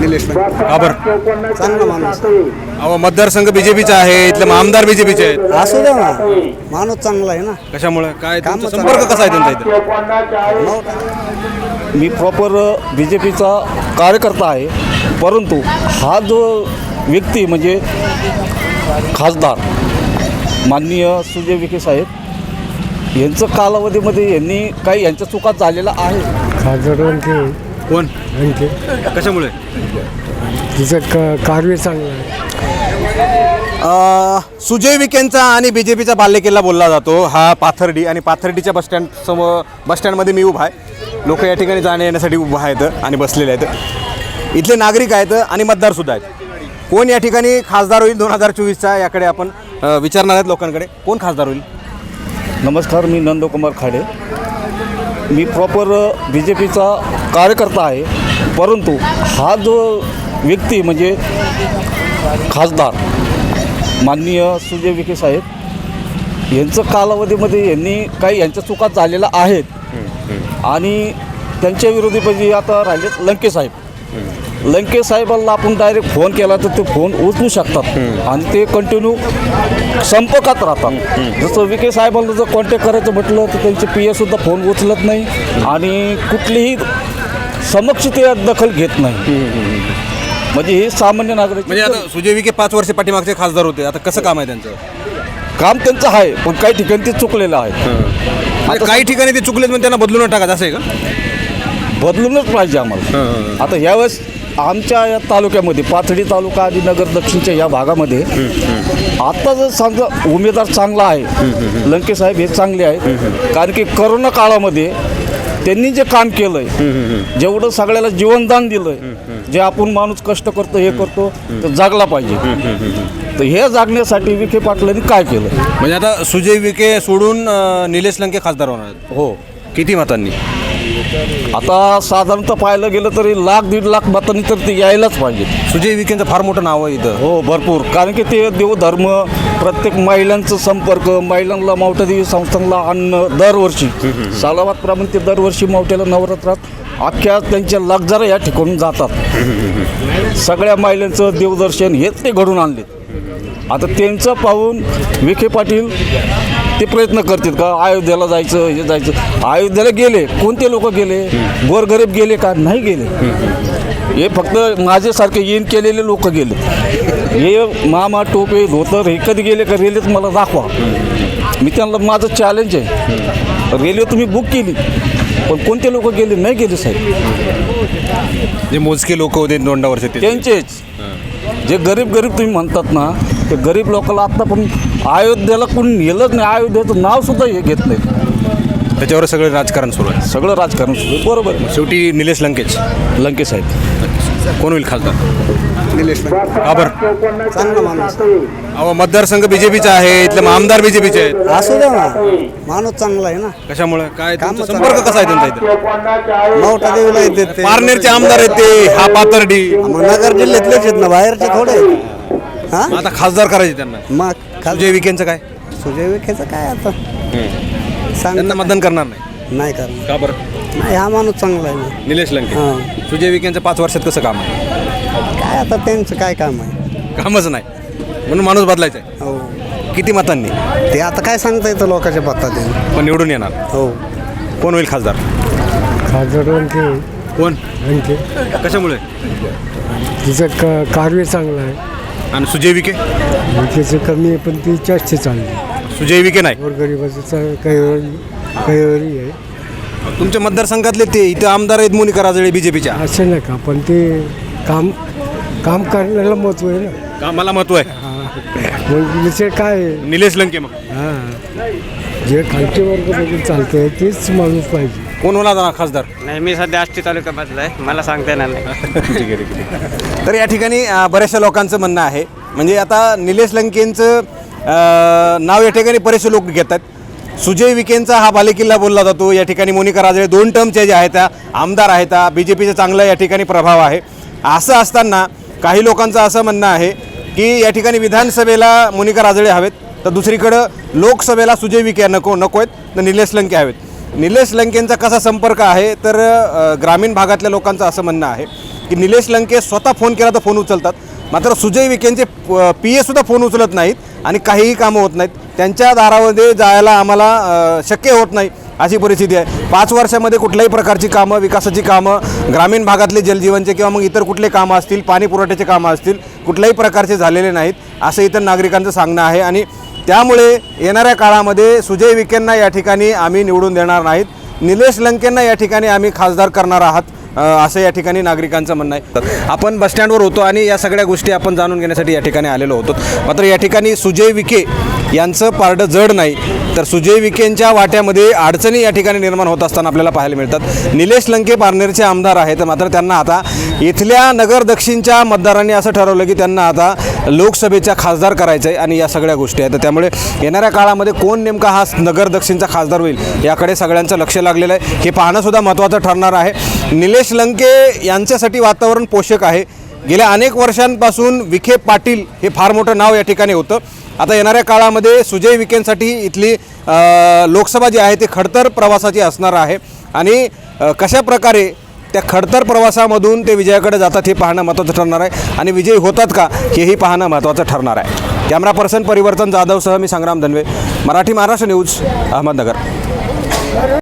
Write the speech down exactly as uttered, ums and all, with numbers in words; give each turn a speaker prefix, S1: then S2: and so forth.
S1: निलेश लंके.
S2: का बरं?
S1: चांगला माणूस
S2: अहो मतदारसंघ बीजेपीचा आहे, इथले आमदार बीजेपीचे आहेत.
S1: असू द्या ना, माणूस चांगला आहे ना.
S2: कशामुळे काय
S1: काम
S2: तुमचा
S1: चांगलं.
S2: संपर्क कसा आहे त्यांचा इथं?
S3: मी प्रॉपर बी जे पीचा कार्यकर्ता आहे, परंतु हा जो व्यक्ती म्हणजे खासदार माननीय सुजय विखे साहेब यांचं कालावधीमध्ये यांनी काही यांच्या चुका झालेल्या आहे.
S4: खासदार लंके
S2: कोण?
S4: लंके
S2: कशामुळे?
S4: तिचं क कार्य चांगलं आहे.
S2: अ, सुजय विखेंचा आणि बी जे पीचा बालेकिल्ला बोलला जातो हा पाथर्डी, आणि पाथर्डीच्या बसस्टँड समोर बसस्टँडमध्ये मी उभा आहे. लोक या ठिकाणी जाण्या येण्यासाठी उभा आहेत आणि बसलेले आहेत. इथले नागरिक आहेत आणि मतदारसुद्धा आहेत. कोण या ठिकाणी खासदार होईल दोन हजार चोवीसचा, याकडे आपण अ, विचारणार आहेत लोकांकडे. कोण खासदार होईल?
S3: नमस्कार, मी नंदकुमार खाडे. मी प्रॉपर बी जे पीचा कार्यकर्ता आहे, परंतु हा जो व्यक्ती म्हणजे खासदार माननीय सुजय विखे साहेब यांचं कालावधीमध्ये यांनी काही यांच्या चुका झालेल्या आहेत आणि त्यांच्या विरोधी म्हणजे आता राहिलेत लंके साहेब. लंके साहेबांना आपण डायरेक्ट फोन केला तर ते फोन उचलू शकतात आणि ते कंटिन्यू संपर्कात राहतात. जसं विखे साहेबांना जर कॉन्टॅक्ट करायचं म्हटलं तर त्यांचे पी एसुद्धा फोन उचलत नाही आणि कुठलीही समक्ष ते दखल घेत नाही. म्हणजे हे सामान्य नागरिक
S2: म्हणजे आता सुजय विखे पाच वर्ष पाठीमागचे खासदार होते, आता कसं काम आहे त्यांचं?
S3: काम त्यांचं आहे, पण काही ठिकाणी ते चुकलेलं आहे.
S2: आता काही ठिकाणी ते चुकलेत म्हणजे त्यांना बदलून टाकायचं असं आहे का?
S3: बदलूनच पाहिजे आम्हाला. आता यावेळेस आमच्या या तालुक्यामध्ये पाथडी तालुका आणि नगर दक्षिणच्या या भागामध्ये आता जर समजा उमेदवार चांगला आहे, लंके साहेब हे चांगले आहेत. कारण की करोना काळामध्ये त्यांनी जे काम केलं आहे, जेवढं सगळ्याला जीवनदान दिलं आहे, जे आपण माणूस कष्ट करतो हे करतो तर जागला पाहिजे. तर हे जागण्यासाठी विखे पाटलांनी काय केलं?
S2: म्हणजे आता सुजय विखे सोडून अ, निलेश लंके खासदार होणार आहेत.
S3: हो,
S2: किती मतांनी?
S3: आता साधारणतः पाहायला गेलं तरी लाख दीड लाख मतांनी तर ते यायलाच पाहिजे.
S2: सुजय विखेंचं फार मोठं नाव आहे इथं.
S3: हो, भरपूर. कारण की ते देवधर्म, प्रत्येक महिलांचं संपर्क, महिलांना मावठादेवी संस्थानला अन्न दरवर्षी सालाबादप्रमाणे ते दरवर्षी मावठ्याला नवरात्रात अख्ख्या त्यांच्या लक्झर या ठिकाणून जातात. सगळ्या महिलांचं देवदर्शन हेच ते घडून आणले. आता त्यांचं पाहून विखे पाटील ते प्रयत्न करतात का अयोध्येला जायचं हे जायचं. अयोध्येला गेले, कोणते लोक गेले? गोरगरीब गेले का? नाही गेले. हे फक्त माझ्यासारखे येण केलेले लोक गेले. हे मामा टोपे धोतर हे कधी गेले का? रेल्वेत मला दाखवा. मी त्यांना माझं चॅलेंज आहे, रेल्वे तुम्ही बुक केली पण कोणते लोक गेले? नाही गेले साहेब.
S2: जे मोजके लोक होते दोंडा वर्ष ते
S3: त्यांचेच जे गरीब गरीब तुम्ही म्हणतात ना, ते गरीब लोकांना आत्ता पण अयोध्येला कोणी नेलंच नाही. अयोध्येचं नावसुद्धा हे घेत नाही.
S2: त्याच्यावर सगळं राजकारण सुरू आहे.
S3: सगळं राजकारण सुरू आहे. बरोबर.
S2: शेवटी निलेश लंकेच
S3: लंके साहेब
S2: कोण होईल खासदार?
S1: निलेश लंके
S2: का बरं?
S1: चांगला माणूस
S2: अहो मतदारसंघ बीजेपीचा आहे, इथले आमदार बीजेपीचे आहेत.
S1: असू द्या ना, माणूस चांगला आहे ना.
S2: कशामुळे काय
S1: काम
S2: तुमचा
S1: चांगलं.
S2: संपर्क कसा आहे त्यांचा इथं?
S1: मावठा देवीला येते ते.
S2: पारनेरचे आमदार आहेत ते, हा पाथर्डी.
S1: मग नगर जिल्ह्यातलेच आहेत ना, बाहेरचे थोडे. हा,
S2: आता खासदार करायचे त्यांना.
S1: मग खाल
S2: सुजय विखेंचं काय?
S1: सुजय विखेचं काय आता सांग
S2: त्यांना मतदान करणार नाही.
S1: नाही करणार.
S2: का बरं?
S1: नाही, हा माणूस चांगला आहे ना.
S2: निलेश लंके.
S1: हां,
S2: सुजय विखेंचं पाच वर्षात कसं काम आहे?
S1: काय आता त्यांचं काय काम आहे?
S2: कामच नाही म्हणून माणूस बदलायचा आहे.
S1: हो,
S2: किती मतांनी?
S1: ते आता काय सांगता येतं लोकांच्या पत्ता.
S2: पण निवडून येणार.
S1: हो,
S2: कोण होईल खासदार?
S4: खासदार लंके
S2: कोण?
S4: लंके
S2: कशामुळे?
S4: तिचं क कार्य चांगलं आहे.
S2: आणि सुजय विखे?
S4: विखेचं कमी आहे पण ती चर्चा चालली.
S2: सुजय विखे नाही.
S4: गोरगरिबाचं चा- काही वेळी काही वेळी आहे.
S2: तुमच्या मतदारसंघातले ते इथं आमदार आहेत मोनिका राजळे बीजेपीच्या.
S4: असं नाही का, पण ते काम काम करण्याला महत्त्व आहे ना.
S2: कामाला महत्व आहे.
S4: मग विषय काय आहे?
S2: निलेश लंके. मग
S4: हां, जे खालचे वर्ग बघून चालतं आहे तेच माणूस पाहिजे.
S2: कोण होणार ना खासदार?
S5: नाही, मी सध्या आष्टी तालुक्यामधला आहे, मला सांगता येणार नाही.
S2: तर या ठिकाणी अ, बऱ्याचशा लोकांचं म्हणणं आहे, म्हणजे आता निलेश लंकेंचं अ, नाव या ठिकाणी बरेचसे लोक घेतात. सुजय विखेंचा हा बालेकिल्ला बोलला जातो. या ठिकाणी मोनिका राजळे दोन टर्मच्या ज्या आहेत त्या आमदार आहेत, बी जे पीचा चांगला या ठिकाणी प्रभाव आहे. असं असताना काही लोकांचं असं म्हणणं आहे की या ठिकाणी विधानसभेला मोनिका राजळे हवेत, तर दुसरीकडं लोकसभेला सुजय विखे नको नको आहेत, तर निलेश लंके हवेत. निलेश लंकेंचा कसा संपर्क आहे तर ग्रामीण भागातल्या लोकांचं असं म्हणणं आहे की निलेश लंके स्वतः फोन केला तर फोन उचलतात, मात्र सुजय विखेंचे पी एसुद्धा फोन उचलत नाहीत आणि काहीही कामं होत नाहीत. त्यांच्या दारामध्ये जायला आम्हाला अ, शक्य होत नाही अशी परिस्थिती आहे. पाच वर्षामध्ये कुठल्याही प्रकारची कामं, विकासाची कामं, ग्रामीण भागातले जलजीवनचे किंवा मग इतर कुठले कामं असतील, पाणी पुरवठ्याचे कामं असतील, कुठल्याही प्रकारचे झालेले नाहीत असं इतर नागरिकांचं सांगणं आहे. आणि त्यामुळे येणाऱ्या काळामध्ये सुजय विखेंना या ठिकाणी आम्ही निवडून देणार नाहीत, निलेश लंकेंना या ठिकाणी आम्ही खासदार करणार आहात अ, असं या ठिकाणी नागरिकांचं म्हणणं आहे. आपण बसस्टँडवर होतो आणि या सगळ्या गोष्टी आपण जाणून घेण्यासाठी या ठिकाणी आलेलो होतो. मात्र या ठिकाणी सुजय विखे यांचं पारडं जड नाही, तर सुजय विखेंच्या वाट्यामध्ये अडचणी या ठिकाणी निर्माण होत असताना आपल्याला पाहायला मिळतात. निलेश लंके पारनेरचे आमदार आहेत, मात्र त्यांना आता इथल्या नगर दक्षिणच्या मतदारांनी असं ठरवलं की त्यांना आता लोकसभेच्या खासदार करायचं आहे आणि या सगळ्या गोष्टी आहेत. त्यामुळे येणाऱ्या काळामध्ये कोण नेमका हा नगर दक्षिणचा खासदार होईल याकडे सगळ्यांचं लक्ष लागलेलं आहे. हे पाहणंसुद्धा महत्त्वाचं ठरणार आहे. निलेश लंके यांच्यासाठी वातावरण पोषक आहे. गेल्या अनेक वर्षांपासून विखे पाटील हे फार मोठं नाव या ठिकाणी होतं. आता येणाऱ्या काळामध्ये सुजय विखेंसाठी इथली अ, लोकसभा जी आहे ती खडतर प्रवासाची असणार आहे आणि अ, कशा प्रकारे त्या खडतर प्रवासामधून ते विजयाकडे जातात हे पाहणं महत्त्वाचं ठरणार आहे आणि विजयी होतात का हेही पाहणं महत्त्वाचं ठरणार आहे. कॅमेरा पर्सन परिवर्तन जाधवसह मी संग्राम धनवे, मराठी महाराष्ट्र न्यूज, अहमदनगर.